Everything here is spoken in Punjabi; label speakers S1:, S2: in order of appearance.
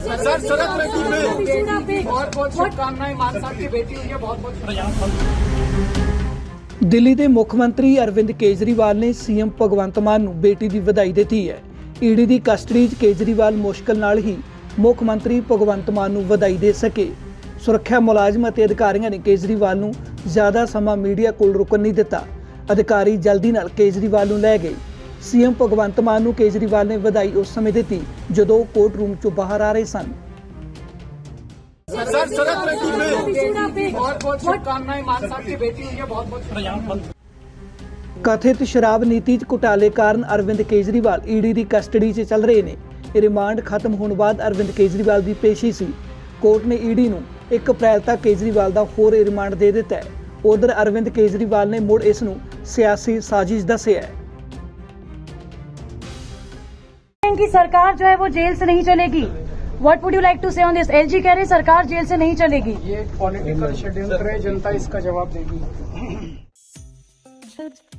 S1: सर सड़क रेती में बहुत बहुत शुभकामनाएं। मान साहब की बेटी हुई है, बहुत बहुत।
S2: ਦਿੱਲੀ ਦੇ ਮੁੱਖ ਮੰਤਰੀ ਅਰਵਿੰਦ ਕੇਜਰੀਵਾਲ ਨੇ ਸੀਐਮ ਭਗਵੰਤ ਮਾਨ ਨੂੰ ਬੇਟੀ ਦੀ ਵਧਾਈ ਦਿੱਤੀ ਹੈ। ਈਡੀ ਦੀ ਕਸਟਡੀ 'ਚ ਕੇਜਰੀਵਾਲ ਮੁਸ਼ਕਲ ਨਾਲ ਹੀ ਮੁੱਖ ਮੰਤਰੀ ਭਗਵੰਤ ਮਾਨ ਨੂੰ ਵਧਾਈ ਦੇ ਸਕੇ। ਸੁਰੱਖਿਆ ਮੁਲਾਜ਼ਮ ਅਤੇ ਅਧਿਕਾਰੀਆਂ ਨੇ ਕੇਜਰੀਵਾਲ ਨੂੰ ਜ਼ਿਆਦਾ ਸਮਾਂ ਮੀਡੀਆ ਕੋਲ ਰੁਕਣ ਨਹੀਂ ਦਿੱਤਾ। ਅਧਿਕਾਰੀ ਜਲਦੀ ਨਾਲ ਕੇਜਰੀਵਾਲ ਨੂੰ ਲੈ ਗਏ। ਸੀਐਮ ਭਗਵੰਤ ਮਾਨ ਨੂੰ ਕੇਜਰੀਵਾਲ ਨੇ ਵਧਾਈ ਉਸ ਸਮੇਂ ਦਿੱਤੀ ਜਦੋਂ ਕੋਰਟ ਰੂਮ 'ਚੋਂ ਬਾਹਰ ਆ ਰਹੇ ਸਨ।
S1: सर सड़क रेती में बहुत बहुत शुभकामनाएं। मान साहब की बेटी हुई है, बहुत बहुत।
S2: ਕਥਿਤ ਸ਼ਰਾਬ ਨੀਤੀ 'ਚ ਘੁਟਾਲੇ ਕਾਰਨ ਅਰਵਿੰਦ ਕੇਜਰੀਵਾਲ ਈਡੀ ਦੀ ਕਸਟਡੀ 'ਚ ਚੱਲ ਰਹੇ ਨੇ। ਰਿਮਾਂਡ ਖਤਮ ਹੋਣ ਬਾਅਦ ਅਰਵਿੰਦ ਕੇਜਰੀਵਾਲ ਦੀ ਪੇਸ਼ੀ ਸੀ। ਕੋਰਟ ਨੇ ਈਡੀ ਨੂੰ 1 ਅਪ੍ਰੈਲ ਤੱਕ ਕੇਜਰੀਵਾਲ ਦਾ ਹੋਰ ਰਿਮਾਂਡ ਦੇ ਦਿੱਤਾ ਹੈ। ਉਧਰ ਅਰਵਿੰਦ ਕੇਜਰੀਵਾਲ ਨੇ ਮੁੜ ਇਸ ਨੂੰ ਸਿਆਸੀ ਸਾਜ਼ਿਸ਼ ਦੱਸਿਆ है।
S3: कि सरकार जो है वो जेल से नहीं चलेगी। What would you like to say on this? LG कह रहे सरकार जेल से नहीं चलेगी।
S1: ये पॉलिटिकल षड्यंत्र है, जनता इसका जवाब देगी।